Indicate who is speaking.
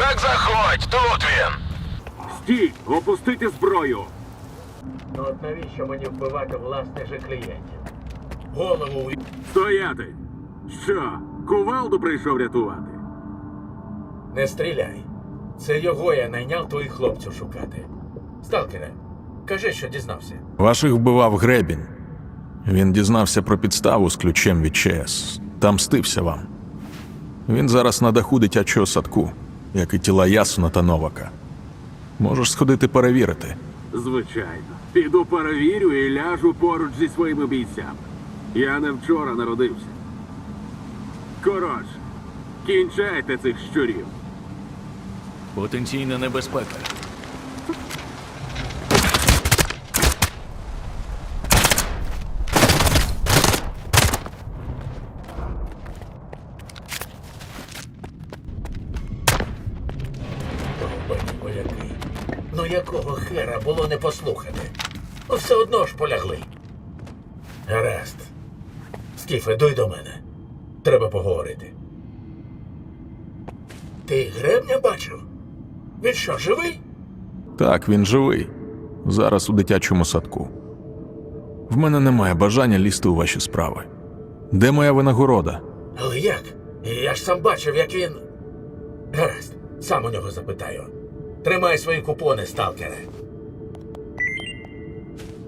Speaker 1: Так заходь, тут він.
Speaker 2: Стій! Опустити зброю!
Speaker 3: Ну от навіщо мені вбивати власних же клієнтів? Голову
Speaker 2: Стояти! Що, кувалду прийшов рятувати?
Speaker 3: не стріляй. Це його я найняв твоїх хлопців шукати. Сталкере, кажи, що дізнався.
Speaker 4: Ваших вбивав Гребінь. Він дізнався про підставу з ключем від ЧС. Та мстився вам. Він зараз на даху дитячого садку, як і тіла Ясуна та Новака. Можеш сходити перевірити.
Speaker 2: Звичайно. Піду перевірю і ляжу поруч зі своїми бійцями. Я не вчора народився. Коротше, кінчайте цих щурів.
Speaker 5: Потенційна небезпека.
Speaker 3: Довбані вояки. Ну якого хера було не послухати? Ну все одно ж полягли. Гаразд. Скіфе, дуй до мене. Треба поговорити. Ти Гребня бачив? Він що, живий?
Speaker 4: Так, він живий. Зараз у дитячому садку. В мене немає бажання лізти у ваші справи. Де моя винагорода?
Speaker 3: Але як? Я ж сам бачив, як він... Гаразд, сам у нього запитаю. Тримай свої купони, сталкере.